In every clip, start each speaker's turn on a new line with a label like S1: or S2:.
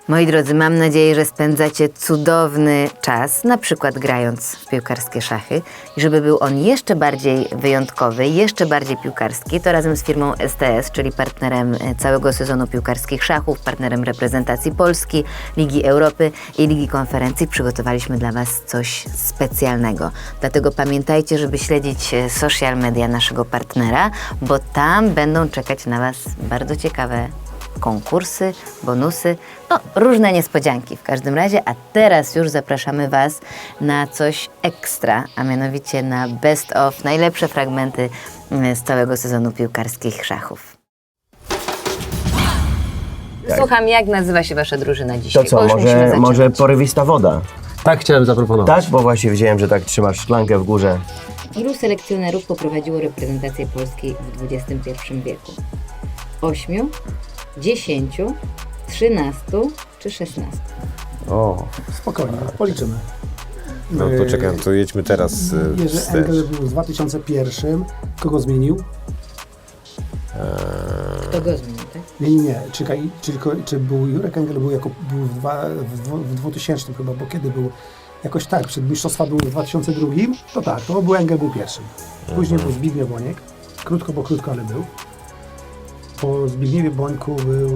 S1: Moi drodzy, mam nadzieję, że spędzacie cudowny czas, na przykład grając w piłkarskie szachy. I żeby był on jeszcze bardziej wyjątkowy, jeszcze bardziej piłkarski, to razem z firmą STS, czyli partnerem całego sezonu piłkarskich szachów, partnerem reprezentacji Polski, Ligi Europy i Ligi Konferencji, przygotowaliśmy dla Was coś specjalnego. Dlatego pamiętajcie, żeby śledzić social media naszego partnera, bo tam będą czekać na Was bardzo ciekawe konkursy, bonusy, no różne niespodzianki w każdym razie, a teraz już zapraszamy Was na coś ekstra, a mianowicie na best of, najlepsze fragmenty z całego sezonu piłkarskich szachów. Słucham, jak nazywa się Wasza drużyna dzisiaj?
S2: To co,
S1: Bo już musimy zaczynać.
S2: może porywista woda?
S3: Tak chciałem zaproponować.
S2: Tak, bo właśnie widziałem, że tak trzymasz szklankę w górze.
S1: Ilu selekcjonerów poprowadziło reprezentację Polski w XXI wieku? 8, 10, 13 czy 16?
S3: O,
S4: Spokojnie, policzymy.
S3: no to czekam, to jedźmy teraz
S4: Jerzy
S3: wstecz.
S4: Engel był w 2001. Kogo zmienił?
S1: Kto go zmienił, tak?
S4: Nie. Czekaj, czy był Jurek Engel był w 2000 chyba, bo kiedy był? Jakoś tak, przed mistrzostwa był w 2002, to tak, to był Engel był pierwszym. Później był Zbigniew Boniek, krótko, ale był. Po Zbigniewie Bońku był...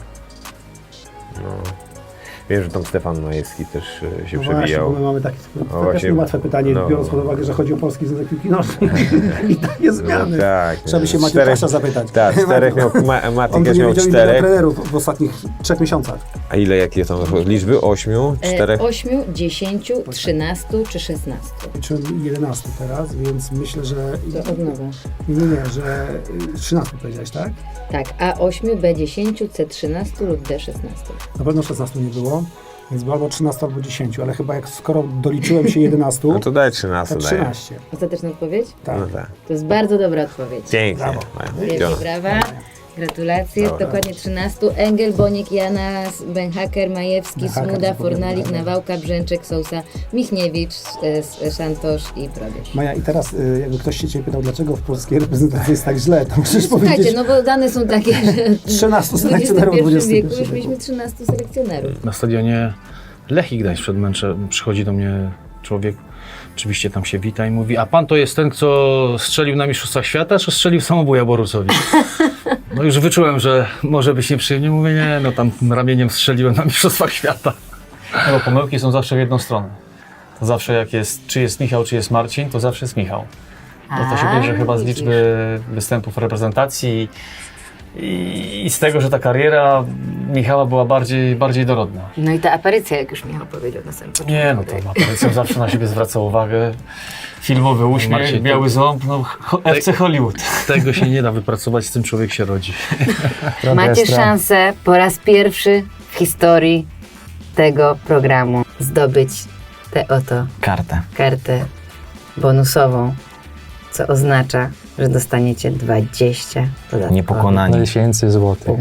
S3: Wiem, że tam Stefan Majewski też się
S4: No właśnie,
S3: przebijał.
S4: bo my mamy takie
S3: właśnie,
S4: niełatwe pytanie,
S3: no.
S4: biorąc pod uwagę, że chodzi o polski związek piłki nożnej i takie zmiany.
S3: tak.
S4: Trzeba by się Maciej Pasza zapytać.
S3: Tak, czterech miał,
S4: On
S3: Matyk
S4: by nie
S3: miał
S4: wiedział ile
S3: czterech.
S4: trenerów w ostatnich 3 miesiącach.
S3: A jakie są liczby? 8, 4?
S1: 8, 10, 13 czy 16?
S4: Czy 11 teraz, więc myślę, że...
S1: To od nowa.
S4: Nie, że 13 powiedziałeś, tak?
S1: Tak, A8, B10, C13 lub D16.
S4: Na pewno 16 nie było, więc było albo 13, albo 10, ale chyba skoro doliczyłem się 11,
S3: No to daj 13,
S4: to
S3: daję.
S4: 13.
S1: Ostateczna odpowiedź?
S4: Tak.
S3: No tak.
S1: To jest bardzo dobra odpowiedź.
S3: Pięknie.
S4: Brawo.
S1: Wielkie brawa. Gratulacje.
S3: Dobra.
S1: Dokładnie 13. Engel, Boniek, Janas, Benhaker, Majewski,
S4: Benhaker,
S1: Smuda,
S4: zapomniałem.
S1: Fornalik, Nawałka, Brzęczek, Sousa, Michniewicz, Szantosz i Probierz.
S4: Maja, i teraz jakby ktoś się Ciebie pytał, dlaczego w polskiej reprezentacji jest tak źle, to musisz
S1: Słuchajcie,
S4: powiedzieć...
S1: no bo dane są takie, że
S4: 13
S1: w
S4: selekcjonerów w
S1: XXI wieku
S4: XXI
S1: już mieliśmy 13 selekcjonerów.
S5: Na stadionie Lechii Gdańsk przed meczem przychodzi do mnie człowiek, oczywiście tam się wita i mówi: a pan to jest ten, co strzelił na Mistrzostwach Świata, czy strzelił samobuja Borusowi? No już wyczułem, że może być nieprzyjemnie. Mówię: nie, no tam ramieniem strzeliłem na Mistrzostwach Świata. No bo pomyłki są zawsze w jedną stronę. To zawsze jak jest, czy jest Michał, czy jest Marcin, to zawsze jest Michał. To się bierze chyba z
S1: widzisz.
S5: liczby występów reprezentacji i z tego, że ta kariera Michała była bardziej dorodna.
S1: No i ta aparycja, jak już Michał powiedział na samym początku.
S5: Nie, no to Aparycją zawsze na siebie zwraca uwagę. Filmowy uśmiech, Marcin, biały ząb, no FC Hollywood. Tego się nie da wypracować, z tym człowiek się rodzi.
S1: Macie szansę po raz pierwszy w historii tego programu zdobyć tę oto kartę bonusową, co oznacza, że dostaniecie 20 dodatkowych.
S6: Niepokonani.
S5: Tysięcy złotych.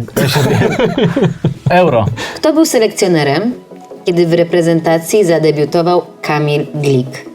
S5: Euro.
S1: Kto był selekcjonerem, kiedy w reprezentacji zadebiutował Kamil Glik?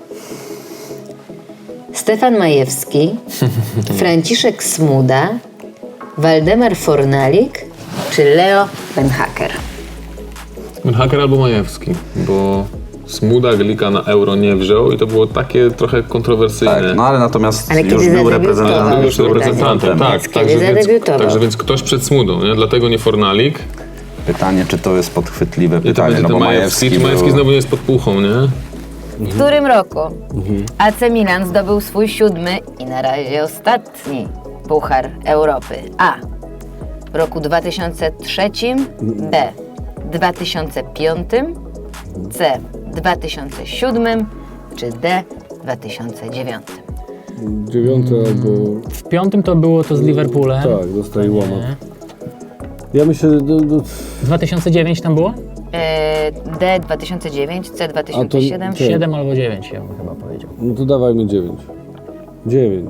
S1: Stefan Majewski, Franciszek Smuda, Waldemar Fornalik czy Leo Benhaker?
S7: Haker albo Majewski, bo Smuda Glika na Euro nie wziął i to było takie trochę kontrowersyjne.
S6: Tak, no ale natomiast
S1: Ale
S6: już
S1: kiedy
S6: był
S1: zadebiutował?
S6: reprezentantem.
S7: Był już reprezentantem, tak.
S1: Kiedy zadebiutował?
S7: Także więc ktoś przed Smudą, nie? Dlatego nie Fornalik.
S6: Pytanie, czy to jest podchwytliwe
S7: I to
S6: pytanie,
S7: będzie
S6: no
S7: ten
S6: bo
S7: Majewski. Czy
S6: był...
S7: Majewski znowu nie jest pod puchą, nie?
S1: W którym roku AC Milan zdobył swój 7. i na razie ostatni Puchar Europy? A. W roku 2003, B. 2005, C. 2007 czy D. 2009?
S8: 9 albo...
S9: W 5 to było to z Liverpoolem.
S8: Tak, dostaje łamat. Ja myślę,
S9: W 2009 tam było?
S1: D. 2009, C. 2007.
S8: Tak.
S9: 7 albo 9 ja bym chyba powiedział.
S8: no to dawajmy 9. 9.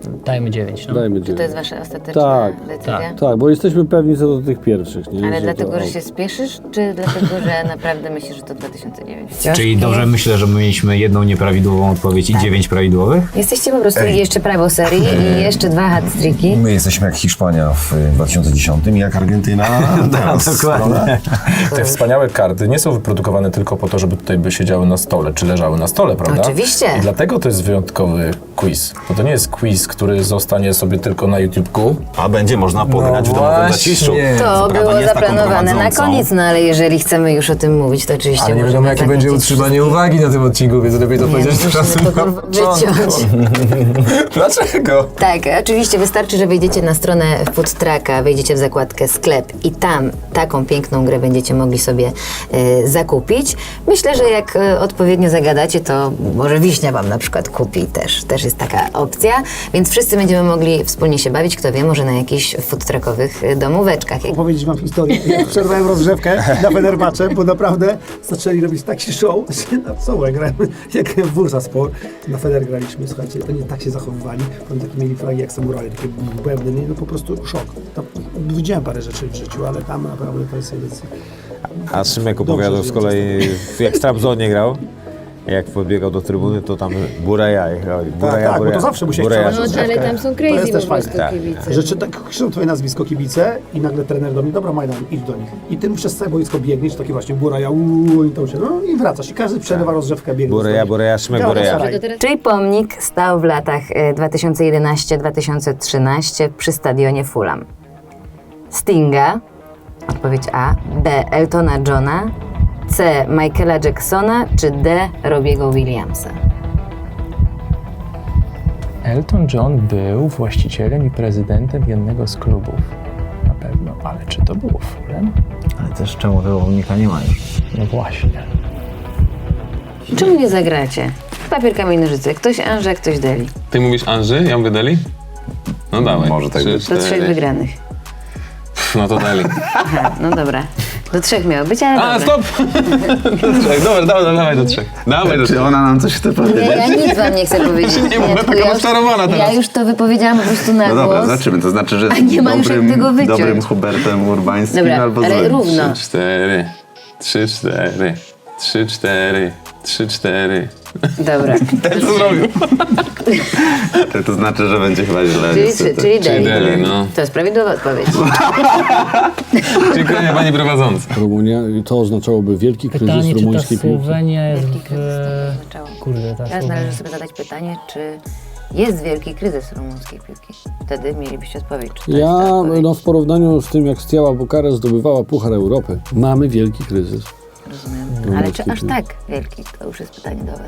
S9: Dajmy 9, no.
S8: Dajmy
S1: Czy to
S8: 9.
S1: jest wasza ostateczna
S8: Tak,
S1: decyzja?
S8: Tak, bo jesteśmy pewni co do tych pierwszych, nie?
S1: Ale
S8: Że
S1: dlatego,
S8: to-
S1: że się spieszysz, czy dlatego, że naprawdę myślisz, że to 2009?
S10: Czyli dobrze myślę, że my mieliśmy jedną nieprawidłową odpowiedź i 9 prawidłowych?
S1: Jesteście po prostu jeszcze prawo serii i jeszcze 2 hat-tricki.
S11: My jesteśmy jak Hiszpania w 2010 i jak Argentyna teraz.
S10: Dokładnie.
S12: Te wspaniałe karty nie są wyprodukowane tylko po to, żeby tutaj by siedziały na stole, czy leżały na stole, prawda?
S1: Oczywiście.
S12: I dlatego to jest wyjątkowy quiz. Bo to nie jest quiz, który zostanie sobie tylko na YouTube'ku.
S11: A będzie można pograć w domowym zaciszu.
S1: To było zaplanowane na koniec, no ale jeżeli chcemy już o tym mówić, to oczywiście
S12: Ale nie
S1: możemy
S12: wiadomo, jakie będzie
S1: zachęcić
S12: utrzymanie uwagi na tym odcinku, więc lepiej to
S1: Nie,
S12: powiedzieć
S1: musimy
S12: teraz
S1: to
S12: na
S1: kurwa
S12: początku.
S1: wyciąć.
S12: Dlaczego?
S1: Tak, oczywiście wystarczy, że wejdziecie na stronę Food Trucka, wejdziecie w zakładkę sklep i tam taką piękną grę będziecie mogli sobie zakupić. Myślę, że jak odpowiednio zagadacie, to może Wiśnia wam na przykład kupi też jest taka opcja, więc wszyscy będziemy mogli wspólnie się bawić, kto wie, może na jakichś food truckowych domóweczkach.
S4: Opowiedzieć wam historię. Ja przerwałem rozgrzewkę na Fenerbahce, bo naprawdę zaczęli robić taki show, że na co grałem, jak w Bursaspor. Na Fener graliśmy, słuchajcie, to nie tak się zachowywali. Oni takie mieli flagi jak samuraje, takie bębny, nie, no po prostu szok. Tam widziałem parę rzeczy w życiu, ale tam naprawdę to jest edycja.
S3: A Szymek opowiadał z kolei, jak w Trabzonie grał, jak podbiegał do trybuny, to tam Buraja jechał.
S4: Tak, bo to zawsze musiałeś przełamać rozgrzewkę.
S1: tam są
S4: To jest też fajne.
S3: Tak.
S4: Że czy tak krzyczą twoje nazwisko kibice i nagle trener do mnie, dobra Majdan, idź do nich. I ty przez całe boisko biegniesz, taki właśnie Buraja, i to się, no i wracasz. I każdy przerywa rozgrzewkę, biegnie.
S3: Buraja, Szymek
S4: Galatasaray.
S3: Buraja.
S1: Czyli pomnik stał w latach 2011-2013 przy stadionie Fulham. Stinga, odpowiedź A, B. Eltona Johna, C. Michaela Jacksona, czy D. Robiego Williamsa?
S9: Elton John był właścicielem i prezydentem jednego z klubów. Na pewno, ale czy to było Fulham?
S10: Ale też czemu tego pomnika nie ma już?
S9: No właśnie.
S1: Czemu nie zagracie? Papier, kamień, nożyce. Ktoś Anże, ktoś Deli.
S7: Ty mówisz Anży, ja mówię Deli? No dawaj.
S6: Może tak być.
S1: Do 3 wygranych.
S7: No to Deli.
S1: Aha, no dobra. Do 3 miało być, ale
S7: A,
S1: dobra.
S7: stop! Do 3, dobra, dawaj do 3. Dawaj do 3.
S6: Czy ona nam coś chce
S1: Nie,
S6: powiedzieć?
S1: ja nic wam nie chcę powiedzieć.
S7: Nie mów,
S1: tylko
S7: taka
S1: ja
S7: rozczarowana teraz.
S1: Ja już to wypowiedziałam po prostu na
S6: No dobra,
S1: głos.
S6: zobaczymy. To znaczy, że
S1: A nie ma już jak tego wyciąć.
S6: dobrym Hubertem Urbańskim
S1: Dobra,
S6: albo
S1: ale
S6: złym.
S1: równo.
S7: 4, 3, 4, 3, 4, 3, 4.
S1: Dobra.
S7: Co zrobił?
S6: To znaczy, że będzie chyba źle.
S1: Czyli
S6: niestety.
S1: Deli.
S7: Deli, no.
S1: To jest prawidłowa odpowiedź.
S7: Dziękuję pani prowadząca.
S8: Rumunia, to oznaczałoby wielki kryzys
S9: Pytanie, czy ta
S8: rumuńskiej piłki.
S9: Słowenia jest
S1: Wielki
S9: w...
S1: kryzys to oznaczało.
S9: Kurde, ta
S1: Teraz
S9: Słowenia.
S1: należy sobie zadać pytanie, czy jest wielki kryzys rumuńskiej piłki. Wtedy mielibyście odpowiedź, czy to jest ta
S8: Ja,
S1: odpowiedź.
S8: no w porównaniu z tym, jak Steaua Bukarest zdobywała Puchar Europy, mamy wielki kryzys.
S1: Rozumiem. Ale czy aż tak wielki? To już jest pytanie do was.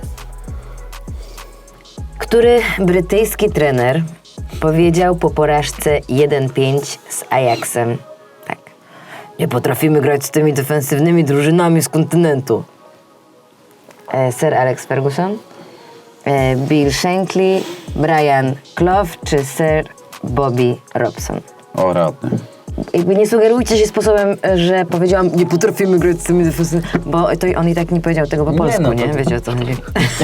S1: Który brytyjski trener powiedział po porażce 1-5 z Ajaxem tak: nie potrafimy grać z tymi defensywnymi drużynami z kontynentu? Sir Alex Ferguson, Bill Shankly, Brian Clough czy Sir Bobby Robson?
S6: O, radny.
S1: Jakby nie sugerujcie się sposobem, że powiedziałam, nie potrafimy grać z tymi defensywnymi, bo to on i tak nie powiedział tego po polsku,
S10: no,
S1: nie?
S10: to-
S1: Wiecie o co chodzi.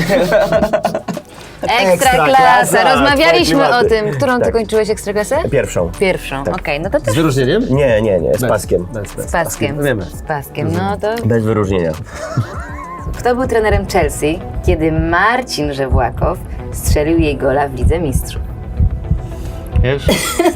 S1: Ekstraklasa! Rozmawialiśmy
S2: twoje
S1: o
S2: klimaty.
S1: tym. Którą ty
S2: Tak.
S1: kończyłeś ekstraklasę?
S2: Pierwszą.
S1: Pierwszą, okej, no to
S2: Z
S1: też
S2: wyróżnieniem? Nie, z paskiem.
S1: z paskiem.
S2: Wiemy.
S1: Z paskiem, no to...
S2: Bez wyróżnienia.
S1: Kto był trenerem Chelsea, kiedy Marcin Żewłakow strzelił jej gola w Lidze Mistrzów?
S5: Wiesz?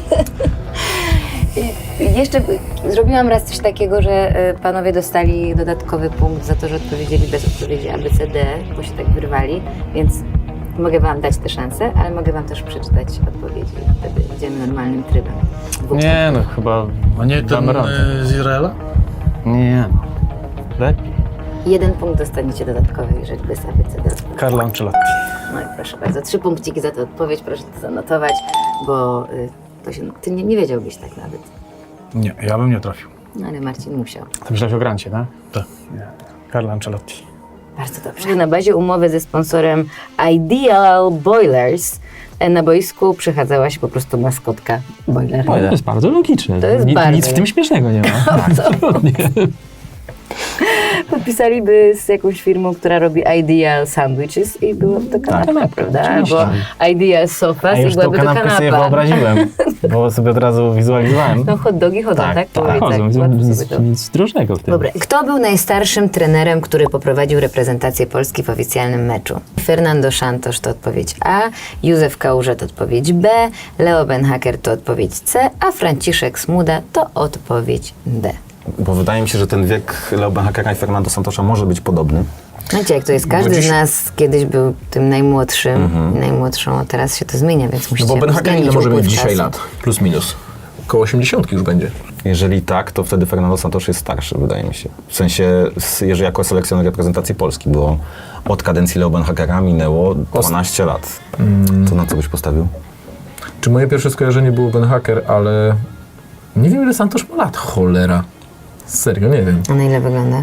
S1: Jeszcze zrobiłam raz coś takiego, że panowie dostali dodatkowy punkt za to, że odpowiedzieli bez odpowiedzi ABCD, bo się tak wyrwali, więc mogę wam dać tę szansę, ale mogę wam też przeczytać odpowiedzi. Wtedy idziemy normalnym trybem.
S5: Nie, no chyba
S9: A nie ten
S5: damy radę.
S9: z Izraela?
S5: Nie, no. Lepiej.
S1: 1 punkt dostaniecie dodatkowy, jeżeli bez ABCD.
S5: Carlo Ancelotti.
S1: No i proszę bardzo, 3 punkciki za tę odpowiedź, proszę to zanotować, bo to się, ty nie wiedziałbyś tak nawet.
S5: Nie, ja bym nie trafił.
S1: No ale Marcin musiał.
S5: Ty myślałeś o Grancie, tak? Tak. Carlo Ancelotti.
S1: Bardzo dobrze. Na bazie umowy ze sponsorem Ideal Boilers na boisku przechadzała się po prostu maskotka Boiler.
S9: To jest bardzo logiczne.
S1: To jest bardzo
S9: Nic w tym śmiesznego nie ma.
S1: Absolutnie. Podpisaliby z jakąś firmą, która robi Ideal Sandwiches i byłaby to kanapka, prawda? Albo Ideal Sofas i byłaby to kanapa.
S10: sobie wyobraziłem, bo sobie od razu wizualizowałem.
S1: No hot dogi chodzą, tak?
S9: Nic drożnego w tym.
S1: Dobra. Kto był najstarszym trenerem, który poprowadził reprezentację Polski w oficjalnym meczu? Fernando Santos to odpowiedź A, Józef Kałuża to odpowiedź B, Leo Benhaker to odpowiedź C, a Franciszek Smuda to odpowiedź D.
S11: Bo wydaje mi się, że ten wiek Leo Benhakera i Fernando Santosza może być podobny.
S1: Wiecie, jak to jest, każdy z nas kiedyś był tym najmłodszym, najmłodszą, a teraz się to zmienia, więc
S12: No
S1: musicie
S12: bo Benhaker ile
S1: uwzględnić
S12: może mieć
S1: upływ
S12: dzisiaj
S1: czasu.
S12: lat? Plus minus. Koło 80 już będzie.
S11: Jeżeli tak, to wtedy Fernando Santos jest starszy, wydaje mi się. W sensie, jeżeli jako selekcjoner reprezentacji Polski, bo od kadencji Leo Benhakera minęło 12 lat. To na co byś postawił?
S12: Czy moje pierwsze skojarzenie było Benhaker, ale nie wiem ile Santos ma lat. Cholera. Serio, nie wiem.
S1: A na ile wygląda?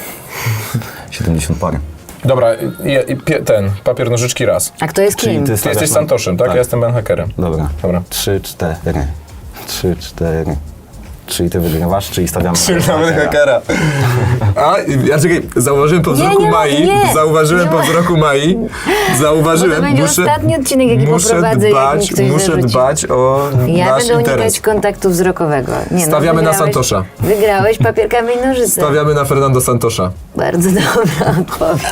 S11: 70 parę.
S12: Dobra, papier, nożyczki raz.
S1: A kto jest
S11: Czyli
S1: kim?
S11: ty
S12: Ty
S11: stawiasz
S12: jesteś
S11: na-
S12: Santoszem, tak?
S11: Tak.
S12: Ja jestem Benhakerem.
S11: Dobra.
S12: Dobra.
S11: 3, 4. Czyli ty wygrywasz, czyli stawiamy na
S12: Benhakera. A, ja czekaj, zauważyłem po wzroku Mai, zauważyłem po wzroku Mai,
S1: Bo to będzie ostatni odcinek, jaki poprowadzę, jak mi ktoś
S12: muszę
S1: zarzuci.
S12: dbać o
S1: Ja
S12: nasz
S1: będę
S12: interes.
S1: unikać kontaktu wzrokowego. Nie,
S12: Stawiamy na
S1: wygrałeś-
S12: Santosza.
S1: Wygrałeś papier, kamień, nożyce.
S12: Stawiamy na Fernando Santosza.
S1: Bardzo dobra odpowiedź.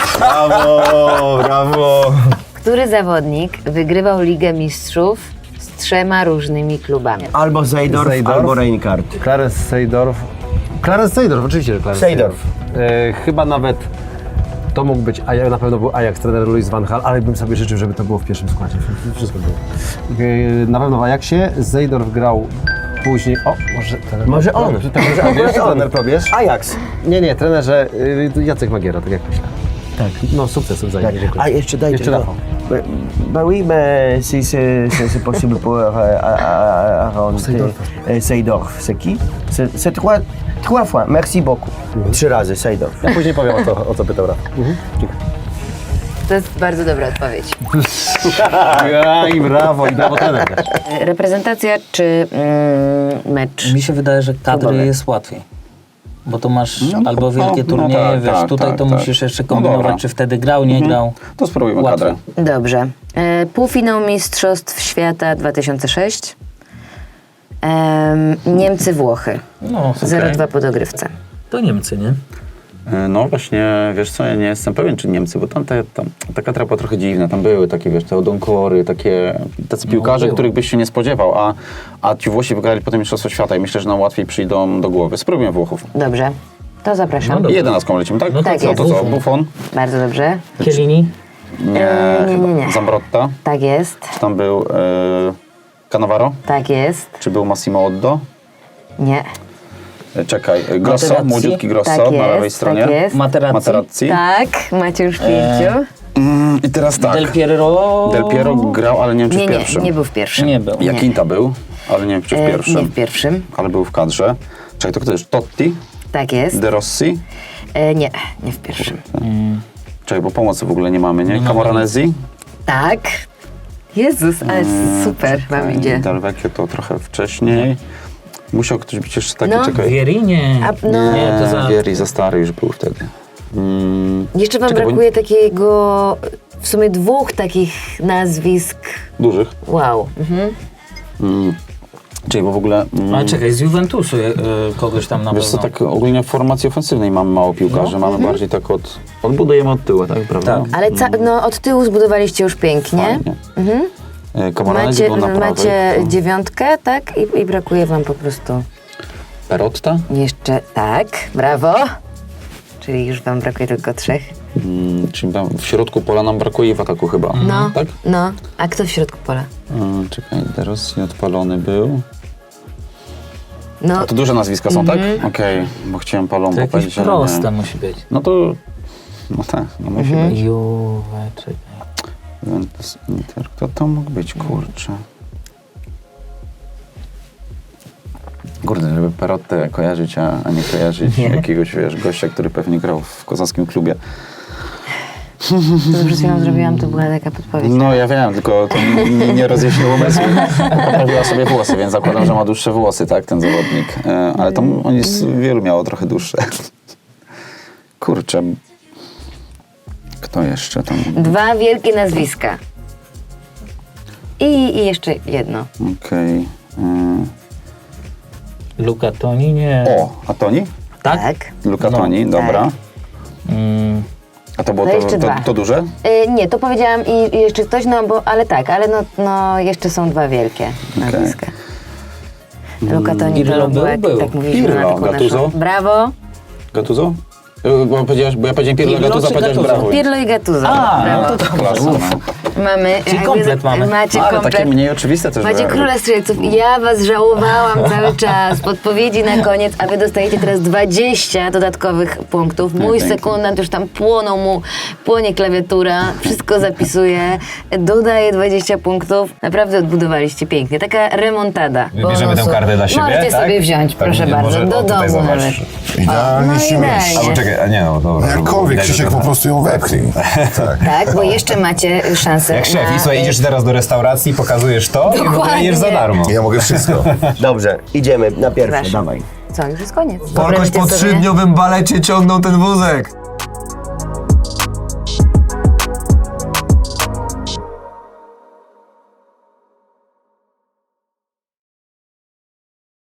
S11: Brawo!
S1: Który zawodnik wygrywał Ligę Mistrzów z 3 różnymi klubami?
S2: Albo Seydorf, albo Reinkart.
S13: Clarence Seydorf, oczywiście, że Clarence
S2: Seydorf.
S13: Chyba nawet to mógł być, na pewno był Ajax, trener Louis van Gaal, ale bym sobie życzył, żeby to było w pierwszym składzie. Wszystko było. Na pewno w Ajaxie. Seydorf grał później. O, może trener.
S2: Może on.
S13: Wiesz, trener probierz?
S2: Ajax.
S13: Nie, trenerze Jacek Magiera, tak jak myślę. Tak. No, sukcesów za nim.
S2: A jeszcze dajcie.
S13: Jeszcze Rafał.
S2: Bah oui, mais si c'est possible pour Aaron Seydorf. C'est qui? C'est trois fois. Merci beaucoup. 3 razy Seydorf.
S13: Ja później powiem, o co pytał Rafał.
S1: To jest bardzo dobra odpowiedź.
S13: I brawo trener też.
S1: Reprezentacja czy mecz?
S14: Mi się wydaje, że kadry jest łatwiej. Bo to masz albo wielkie turnieje, wiesz, tutaj to musisz jeszcze kombinować, czy wtedy grał, nie grał.
S6: To spróbujmy kadrę.
S1: Dobrze. Półfinał Mistrzostw Świata 2006. Niemcy-Włochy.
S14: No,
S1: 0-2 po dogrywce.
S14: To Niemcy, nie?
S6: No właśnie, wiesz co, ja nie jestem pewien, czy Niemcy, bo ta kadra była trochę dziwna. Tam były takie, wiesz, te Odonkory, tacy piłkarze, których byś się nie spodziewał, a ci Włosi wygrali potem Mistrzostwo Świata i myślę, że nam łatwiej przyjdą do głowy. Spróbujmy Włochów.
S1: Dobrze. To zapraszam.
S6: 11 lecimy, tak?
S1: No tak jest.
S6: To co, Buffon?
S1: Bardzo dobrze.
S14: Chiellini?
S6: Nie,
S1: nie.
S6: Zambrotta.
S1: Tak jest.
S6: Czy tam był Cannavaro?
S1: Tak jest.
S6: Czy był Massimo Oddo?
S1: Nie.
S6: Czekaj, Grosso,
S14: Materazzi?
S6: młodziutki Grosso
S1: Tak
S6: na lewej
S1: jest,
S6: stronie.
S1: tak jest.
S6: Materazzi.
S1: Tak, macie już 5.
S6: I teraz tak.
S14: Del Piero
S6: grał, ale nie wiem, czy w
S1: Nie,
S6: pierwszym.
S1: nie był w pierwszym.
S14: nie był.
S6: Jakinta był, ale nie wiem, czy w pierwszym.
S1: Nie w pierwszym.
S6: Ale był w kadrze. Czekaj, to kto jest? Totti?
S1: Tak jest.
S6: De Rossi?
S1: Nie w pierwszym.
S6: Czekaj, bo pomocy w ogóle nie mamy, nie? Camoranesi?
S1: Tak. Jezus, ale super wam idzie.
S6: Del Vecchio to trochę wcześniej. Musiał ktoś być jeszcze taki,
S1: No.
S6: czekaj.
S14: Vieri? Nie.
S6: Nie,
S14: to za...
S6: Vieri za stary już był wtedy.
S1: Jeszcze wam
S6: Czekaj, bo-
S1: brakuje takiego, w sumie 2 takich nazwisk.
S6: Dużych.
S1: Wow.
S6: Czyli bo w ogóle...
S14: Ale czekaj, z Juventusu kogoś tam na
S6: Wiesz co,
S14: pewno.
S6: tak ogólnie w formacji ofensywnej mamy mało piłkarzy, mamy bardziej tak odbudujemy od tyłu, tak, prawda?
S14: Tak.
S1: Ale od tyłu zbudowaliście już pięknie.
S6: Fajnie. Camoranesi był na prawej.
S1: Macie 9, tak? I brakuje wam po prostu
S6: Perotta?
S1: jeszcze, tak, brawo. Czyli już wam brakuje tylko 3.
S6: Czyli tam w środku pola nam brakuje i w ataku chyba.
S1: No,
S6: Tak?
S1: no. A kto w środku pola?
S6: Czekaj, De Rossi odpalony był.
S1: No,
S6: To duże nazwiska są, tak? Okej, bo chciałem
S14: To
S6: Palombo
S14: jakieś
S6: powiedzieć, ale
S14: proste
S6: nie.
S14: musi być.
S6: No to... No tak, no musi być.
S14: Juve, czekaj.
S6: Juventus, Inter. Kto to mógł być, kurczę? Kurde, żeby Perottę kojarzyć, a nie kojarzyć jakiegoś, wiesz, gościa, który pewnie grał w kozackim klubie.
S1: to co przed chwilą zrobiłam, to była taka podpowiedź.
S6: No ja wiem, tylko to nie rozjaśniło umysłu. Poprawiła sobie włosy, więc zakładam, że ma dłuższe włosy, tak, ten zawodnik. Ale tam oni wielu miało trochę dłuższe. Kurczę. Kto jeszcze tam?
S1: 2 wielkie nazwiska. I jeszcze jedno.
S6: Okej.
S14: Luca Toni, nie.
S6: O, a Toni?
S14: Tak?
S6: Luca
S14: No,
S6: Toni, dobra. A to było
S1: No jeszcze
S6: to
S1: 2.
S6: to duże?
S1: Nie, to powiedziałam i jeszcze ktoś, no bo, ale tak, ale no jeszcze są 2 wielkie nazwiska. Luca Toni
S14: Pirlo
S1: był, jak
S14: był.
S1: tak mówiliśmy
S6: Pirlo,
S1: na taką
S6: Gattuso?
S1: naszą. Brawo.
S6: Gattuso? Bo ja powiedziałem Pirlo,
S14: Pirlo
S6: Gattuso,
S14: czy
S6: powiedziałeś
S14: Gattuso?
S6: brawo.
S1: Pirlo i Gattuso.
S14: A,
S1: Brawo.
S14: no to
S6: Klasa, no.
S1: Mamy.
S14: Czyli
S1: jakby-
S14: komplet mamy.
S1: Macie
S6: Ale
S1: komplet.
S6: takie mniej oczywiste też
S1: Macie
S6: były.
S1: króla strzelców. Ja was żałowałam cały czas. Podpowiedzi na koniec, a wy dostajecie teraz 20 dodatkowych punktów. Mój
S6: pięknie.
S1: sekundant już tam płonie klawiatura, wszystko zapisuje, dodaje 20 punktów. Naprawdę odbudowaliście pięknie. Taka remontada.
S10: Wybierzemy tę
S1: bonusu.
S10: kartę dla siebie,
S1: Możecie
S10: tak?
S1: sobie wziąć,
S10: Tak,
S1: proszę
S10: nie,
S1: bardzo,
S10: może-
S1: do
S10: o, tutaj
S1: domu
S10: zobacz.
S1: nawet.
S15: Idealnie się mieści.
S10: Albo czekaj, a nie no, dobra.
S15: Jakkolwiek,
S10: widać, że
S15: Krzysiek,
S10: to-
S15: po prostu ją wepchnij. Tak.
S1: Tak, bo jeszcze macie szansę
S10: Jak szef,
S1: na...
S10: i słuchaj, idziesz teraz do restauracji, pokazujesz to i w ogóle
S1: Dokładnie.
S10: jesz za darmo.
S15: Ja mogę wszystko.
S2: Dobrze, idziemy na pierwsze,
S1: Proszę.
S2: dawaj.
S1: Co, już jest koniec.
S11: Polkoś
S1: Wyobraźcie
S11: po
S1: sobie-
S11: 3-dniowym balecie ciągnął ten wózek.